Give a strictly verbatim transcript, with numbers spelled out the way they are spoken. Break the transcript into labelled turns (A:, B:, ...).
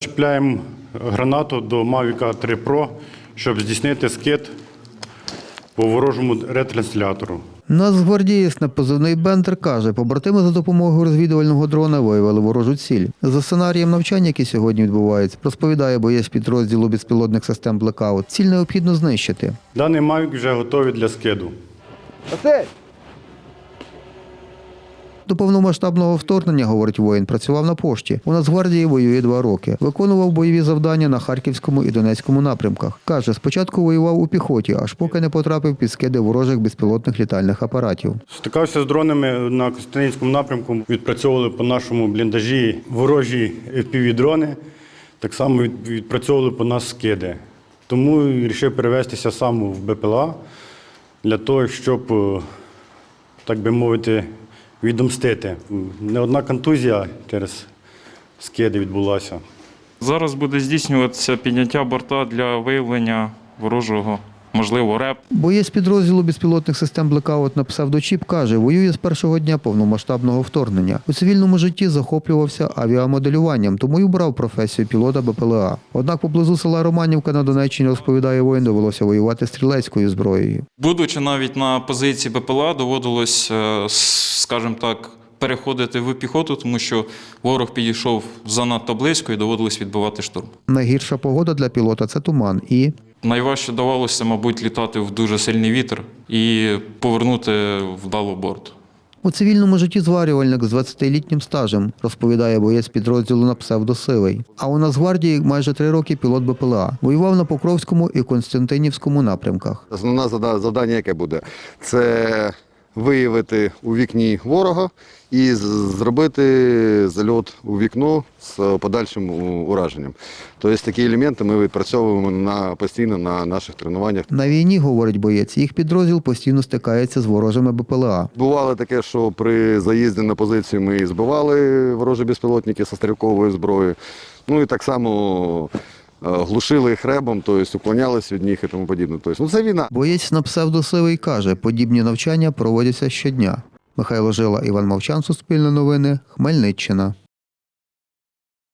A: Чіпляємо гранату до Mavic три Pro, щоб здійснити скид по ворожому ретранслятору.
B: Нацгвардієць на позивний «Бендер» каже, побратими за допомогою розвідувального дрона виявили ворожу ціль. За сценарієм навчання, які сьогодні відбуваються, розповідає боєць підрозділу безпілотних систем «Блекаут», ціль необхідно знищити.
A: Даний Mavic вже готовий для скиду.
B: До повномасштабного вторгнення, говорить воїн, працював на пошті. У Нацгвардії воює два роки. Виконував бойові завдання на Харківському і Донецькому напрямках. Каже, спочатку воював у піхоті, аж поки не потрапив під скиди ворожих безпілотних літальних апаратів.
A: Стикався з дронами на Костянтинівському напрямку, відпрацьовували по нашому бліндажі ворожі еф пі ві-дрони, так само відпрацьовували по нас скиди. Тому вирішив перевестися сам в Б П Л А для того, щоб, так би мовити, відомстити. Не одна контузія через скиди відбулася.
C: Зараз буде здійснюватися підняття борта для виявлення ворожого, можливо, РЕП.
B: Боєць підрозділу безпілотних систем «Блекаут» на псевдочіп каже, воює з першого дня повномасштабного вторгнення. У цивільному житті захоплювався авіамоделюванням, тому й обрав професію пілота Б П Л А. Однак поблизу села Романівка на Донеччині, розповідає воїн, довелося воювати стрілецькою зброєю.
C: Будучи навіть на позиції Б П Л А, доводилось, скажімо так, переходити в піхоту, тому що ворог підійшов занадто близько і доводилось відбивати штурм.
B: Найгірша погода для пілота – це туман і…
C: Найважче давалося, мабуть, літати в дуже сильний вітер і повернути вдало борт.
B: У цивільному житті зварювальник з двадцятилітнім стажем, розповідає боєць підрозділу на псевдосивий. А у Нацгвардії майже три роки пілот Б П Л А. Воював на Покровському і Костянтинівському напрямках.
D: Основне завдання яке буде? Це виявити у вікні ворога і зробити зальот у вікно з подальшим ураженням. Тобто такі елементи ми відпрацьовуємо на, постійно на наших тренуваннях.
B: На війні, говорить боєць, їх підрозділ постійно стикається з ворожими Б П Л А.
D: Бувало таке, що при заїзді на позицію ми збивали ворожі безпілотники зі стрілковою зброєю. Ну і так само глушили їх ребом, тобто уклонялись від них і тому подібне. Тобто, ну, це війна.
B: Боєць на псевдосивий каже, подібні навчання проводяться щодня. Михайло Жила, Іван Мовчан, Суспільне новини, Хмельниччина.